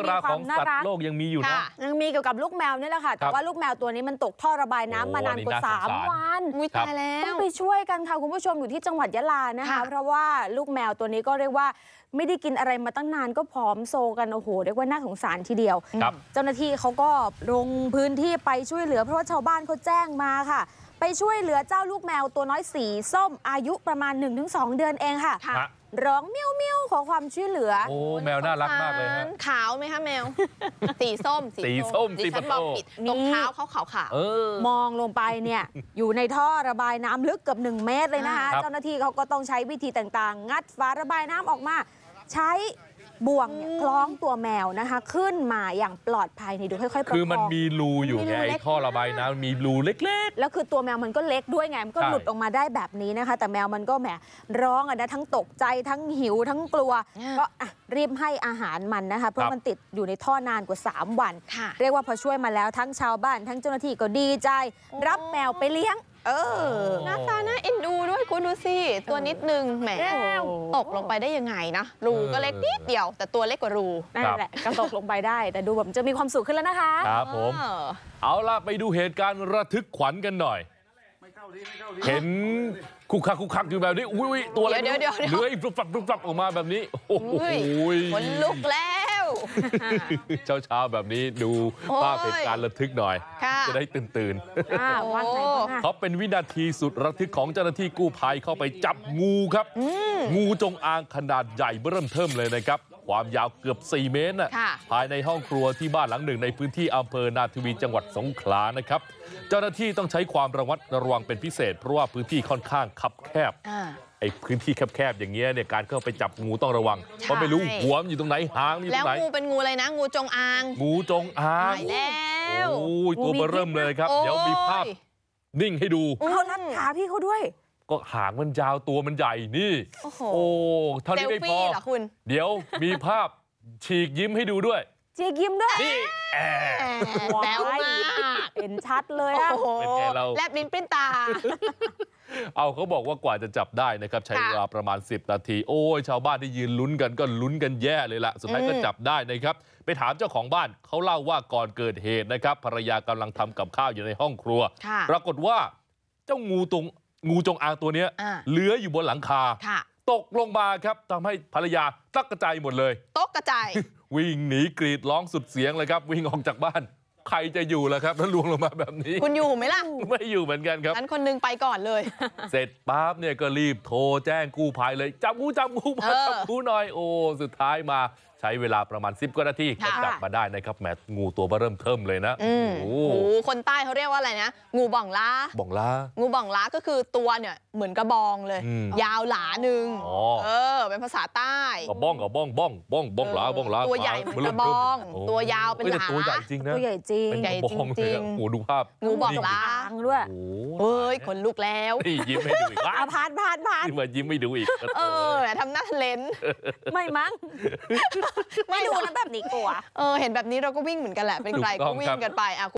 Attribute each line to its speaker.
Speaker 1: ราวของสัตว์โลกยังมีอยู่นะ
Speaker 2: ยังมีเกี่ยวกับลูกแมวนี่แหละค่ะแต่ว่าลูกแมวตัวนี้มันตกท่อระบายน้ำมานานกว่า3 วัน
Speaker 1: ตายแล้ว
Speaker 2: ต้องไปช่วยกันค่ะคุณผู้ชมอยู่ที่จังหวัดยะลานะคะเพราะว่าลูกแมวตัวนี้ก็เรียกว่าไม่ได้กินอะไรมาตั้งนานก็ผอมโซกันโอ้โหเรียกว่าน่าสงสารทีเดียวเจ้าหน้าที่เขาก็ลงพื้นที่ไปช่วยเหลือเพราะว่าชาวบ้านเขาแจ้งมาค่ะไปช่วยเหลือเจ้าลูกแมวตัวน้อยสีส้มอายุประมาณ 1-2 เดือนเองค่ะร้องเมี้ยวเมี้ยวขอความช่วยเหลือ
Speaker 1: โอ้แมวน่ารักมากเลยฮะ
Speaker 3: ขาวไหมคะแมวสีส้ม
Speaker 1: สีส้ม
Speaker 3: ดิฉันบอกผิดตรงเท้าเขาขาว
Speaker 2: มองลงไปเนี่ยอยู่ในท่อระบายน้ำลึกเกือบ1 เมตรเลยนะคะเจ้าหน้าที่เขาก็ต้องใช้วิธีต่างๆงัดฝาระบายน้ำออกมาใช้บ่วงคล้องตัวแมวนะคะขึ้นมาอย่างปลอดภัยนี่ดูค่อยๆประคอง
Speaker 1: คือมันมีรูอยู่ไงท่อระบายน้ำมีรูเล็กๆ
Speaker 2: แล้วคือตัวแมวมันก็เล็กด้วยไงมันก็หลุดออกมาได้แบบนี้นะคะแต่แมวมันก็แหมร้องนะทั้งตกใจทั้งหิวทั้งกลัวก็รีบให้อาหารมันนะคะเพราะมันติดอยู่ในท่อนานกว่า3 วันเรียกว่าพอช่วยมาแล้วทั้งชาวบ้านทั้งเจ้าหน้าที่ก็ดีใจรับแมวไปเลี้ยง
Speaker 3: หน้าตาน่าเอ็นดูด้วยคุณดูสิตัวนิดนึงแหมตกลงไปได้ยังไงนะรูก็เล็กนิดเดียวแต่ตัวเล็กกว่ารู
Speaker 2: นั่นแหละก็ตกลงไปได้แต่ดูแบบจะมีความสุขขึ้นแล้วนะคะ
Speaker 1: ครับผมเอาล่ะไปดูเหตุการณ์ระทึกขวัญกันหน่อยเห็นคุกคักอยู่แบบนี้อุ้ยตัวอะไร
Speaker 3: เดี๋ยว
Speaker 1: เลื้อยฟลับออกมาแบบนี้โอ้โห
Speaker 3: ขนลุกแล้ว
Speaker 1: เช้าแบบนี้ดูภาพเหตุการณ์ระทึกหน่อยจะได้ตื่นเขาเป็นวินาทีสุดระทึกของเจ้าหน้าที่กู้ภัยเข้าไปจับงูครับงูจงอางขนาดใหญ่เริ่มเทิ่มเลยนะครับความยาวเกือบ4 เมตรภายในห้องครัวที่บ้านหลังหนึ่งในพื้นที่อำเภอนาทวีจังหวัดสงขลานะครับเจ้าหน้าที่ต้องใช้ความระมัดระวังเป็นพิเศษเพราะว่าพื้นที่ค่อนข้างคับแคบไอ้พื้นที่แคบๆอย่างเงี้ยเนี่ยการเข้าไปจับงูต้องระวังเพราะไม่รู้หัวมันอยู่ตรงไหนหางอยู่ตรงไหน
Speaker 3: แล้วงูเป็นงูอะไรนะงูจงอาง
Speaker 1: งูจงอาง
Speaker 3: แล้ว
Speaker 1: โอ้ยตัวเริ่มเลยครับเดี๋ยวมีภาพนิ่งให้ดู
Speaker 2: เขารัดขาพี่เขาด้วย
Speaker 1: ก็หางมันยาวตัวมันใหญ่นี่โอ้เท่านี้ไม่พอเดี๋ยวมีภาพฉีกยิ้มให้ดูด้วย
Speaker 2: ฉีกยิ้มด้วย
Speaker 1: นี่
Speaker 3: แบ๊วมาก
Speaker 2: เห็นชัดเลยอะ
Speaker 1: เป็นไงเรา
Speaker 3: แลบลิ้นปริ้นตา
Speaker 1: เอาเขาบอกว่ากว่าจะจับได้นะครับใช้เวลาประมาณ10 นาทีโอ้ยชาวบ้านที่ยืนลุ้นกันก็ลุ้นกันแย่เลยล่ะสุดท้ายก็จับได้นะครับไปถามเจ้าของบ้านเขาเล่าว่าก่อนเกิดเหตุนะครับภรรยากำลังทำกับข้าวอยู่ในห้องครัวปรากฏว่าเจ้างูจงอางตัวนี้เลื้อยอยู่บนหลังคาตกลงมาครับทำให้ภรรยาตกกระจายหมดเลย
Speaker 3: ตกกระจาย
Speaker 1: วิ่งหนีกรีดร้องสุดเสียงเลยครับวิ่งออกจากบ้านใครจะอยู่ล่ะครับถ้าล่วงลงมาแบบนี้
Speaker 3: คุณอยู่ไหมล่ะ
Speaker 1: ไม่อยู่เหมือนกันครับ
Speaker 3: งั้นคนนึงไปก่อนเลย
Speaker 1: เสร็จปั๊บเนี่ยก็รีบโทรแจ้งกู้ภัยเลยจับงูมาจับงูหน่อยโอ้สุดท้ายมาใช้เวลาประมาณ10 กว่านาทีก็จับมาได้นะครับแหมงูตัวเริ่มเทิ่มเลยนะ
Speaker 3: โอ้คนใต้เขาเรียกว่าอะไรนะงูบ่องล้างูบ่องล้าก็คือตัวเนี่ยเหมือนกระบองเลยยาวหลาหนึ่งเป็นภาษาใต้
Speaker 1: กระบ้องหลา
Speaker 3: ตัวใหญ่เหมือนกระบองตัวยาวเป็นหลา
Speaker 1: ตัวใหญ่จริงนะ
Speaker 2: ตัวใหญ่จริง
Speaker 1: โอ้ดูภาพ
Speaker 3: งูบ่องล้า
Speaker 2: ด้วย
Speaker 3: เฮ้ยขนลุกแล้ว
Speaker 1: ยิ้มให้ดูอีก
Speaker 2: ผ่าน
Speaker 1: มายิ้มไม่ดูอีก
Speaker 3: ทำหน้าเลน
Speaker 2: ไม่มั้งไม่ดูนะแบบนี้กลัว
Speaker 3: เห็นแบบนี้เราก็วิ่งเหมือนกันแหละเป็นใครก็วิ่งกันไป